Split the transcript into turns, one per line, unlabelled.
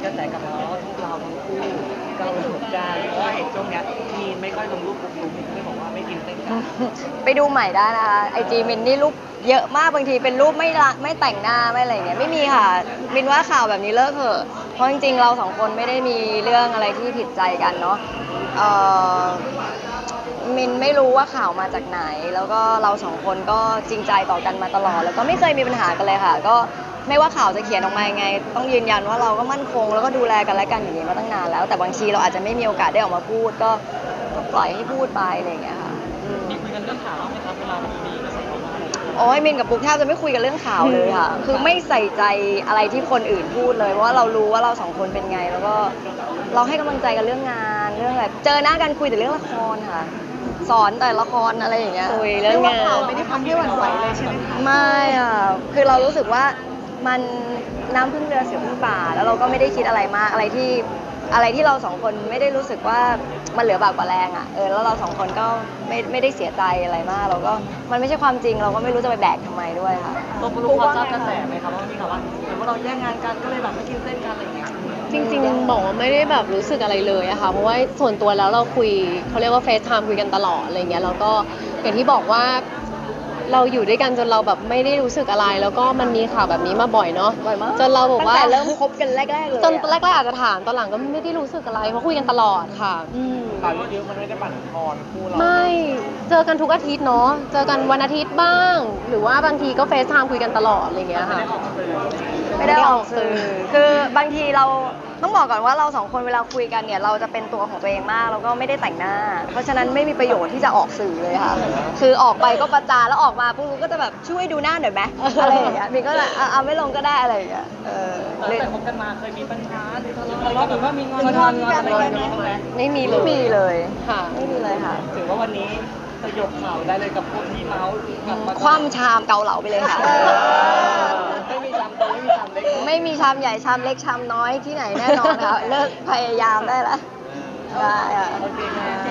ระแสกลับมาว่าพวกเราทั้งคู่กำลังถูกกันเพราะว่าเห็นช่วงเนี้ยมีนไม่ค่อยลงรูปปุ๊บมินก็เลยบอกว่าไม่กินเต้นกัน
ไปดูใหม่ได้นะคะไอจีมินนี่รูปเยอะมากบางทีเป็นรูปไม่แต่งหน้าไม่อะไรเงี้ยไม่มีค่ะมินว่าข่าวแบบนี้เลิกเถอะเพราะจริงๆเราสองคนไม่ได้มีเรื่องอะไรที่ผิดใจกันเนาะเอ่อมินไม่รู้ว่าข่าวมาจากไหน แล้วก็เราสองคนก็จริงใจต่อกันมาตลอดแล้วก็ไม่เคยมีปัญหากันเลยค่ะก็ไม่ว่าข่าวจะเขียนออกมายังไงต้องยืนยันว่าเราก็มั่นคงแล้วก็ดูแลกันและกันอย่างนี้มาตั้งนานแล้วแต่บางทีเราอาจจะไม่มีโอกาสได้ออกมาพูดก็ปล่อยให้พูดไปอะไรอย่างเงี้ยค่ะ
มีคุยกันเรื่องข่าวบ้างไหมครับเวลามีกระแสออกมา
โอ้ยมินกับปุ๊กแทบจะไม่คุยกันเรื่องข่าวเลยค่ะ คือไม่ใส่ใจอะไรที่คนอื่นพูดเลยเพราะว่าเรารู้ว่าเราสองคนเป็นไง แล้วก็เราให้กำลังใจกันเรื่องงานเรื่องแบบเจอหน้ากันคุยแต่เรื่องละครค่ะ สอนแต่ละครอะไรอย่างเงี้ยคุยเรื่องงาน
ไม่ได้ทำให้หวั่นไหวเลยใช่ไหมคะ
ไม่อ่ะคือเรารู้สึกว่ามันน้ำพึ่งเรือเสือพึ่งป่าแล้วเราก็ไม่ได้คิดอะไรมากอะไรที่เราสองคนไม่ได้รู้สึกว่ามันเหลือบากกว่าแรงอ่ะแล้วเราสองคนก็ไม่ได้เสียใจอะไรมากเราก็มันไม่ใช่ความจริงเราก็ไม่รู้จะไปแบกทำไมด้วยค่ะ
ตัวปลุกพอทราบกระแสไหมครับว่ามีข่าวว่าเหมือนว่าเราแย่งงานกันก็เลยแบบไม่กินเส้นกันอะไรอย่างเงี้ย
จริงๆบอกว่าไม่ได้แบบรู้สึกอะไรเลยอะค่ะเพราะว่าส่วนตัวแล้วเราคุยเขาเรียกว่าเฟซไทม์คุยกันตลอดอะไรเงี้ยแล้วก็อย่างที่บอกว่าเราอยู่ด้วยกันจนเราแบบไม่ได้รู้สึกอะไร แล้วก็มันมีข่าวแบบนี้มาบ่อยเนาะ
บ่อยมาก
จนเราบอกว่า
ตั้งแต่เริ่มคบกันแรกๆเลย
จนแรกๆอาจจะถามตอนหลังก็ไม่ได้รู้สึกอะไรเพราะคุยกันตลอดค่ะ
ข่าวเยอะๆมันไม่ได้บั่นทอนคู่เรา
ไม่เจอกันทุกอาทิตย์เนาะเจอกันวันอาทิตย์บ้าง หรือว่าบางทีก็เฟซไทม์คุยกันตลอดอะไรเงี้ยค่ะ
ไม่ได้ออกสื่อคือบางทีเราต้องบอกก่อนว่าเราสองคนเวลาคุยกันเนี่ยเราจะเป็นตัวของตัวเองมากแล้วก็ไม่ได้แต่งหน้า เพราะฉะนั้นไม่มีประโยชน์ที่จะออกสื่อเลยค่ะ คือออกไปก็ประจานแล้วออกมาปุ๊บก็จะแบบช่วยดูหน้าหน่อยไหมอะไรอย่างเงี้ยมินก็จะเอาไม่ลงก็ได้อะไรอย่างเงี้ย
ตั้งแต่คบกันมาเคยมีปัญหาหรือทะเลาะหรือว่ามีงอน
งอนกันอะไรกันไหม
ไม่มีเล
ไม่
ย
มีเลย
ค่ะ
ไม่มีเลยค่ะ
ถือว่าวันนี้สยบข่าวได้เลยกับพวกที่เมาส์กลับมา
คว่ำชามเกาเหลาไปเลยค่ะ
ไม่มีชามโตไม่มีชามเล็ก
ไม่มีชามใหญ่ชามเล็กชามน้อยที่ไหนแน่นอนค่ะ เลิกพยายามได้ละได้ค่ะ
โอเคค่ะ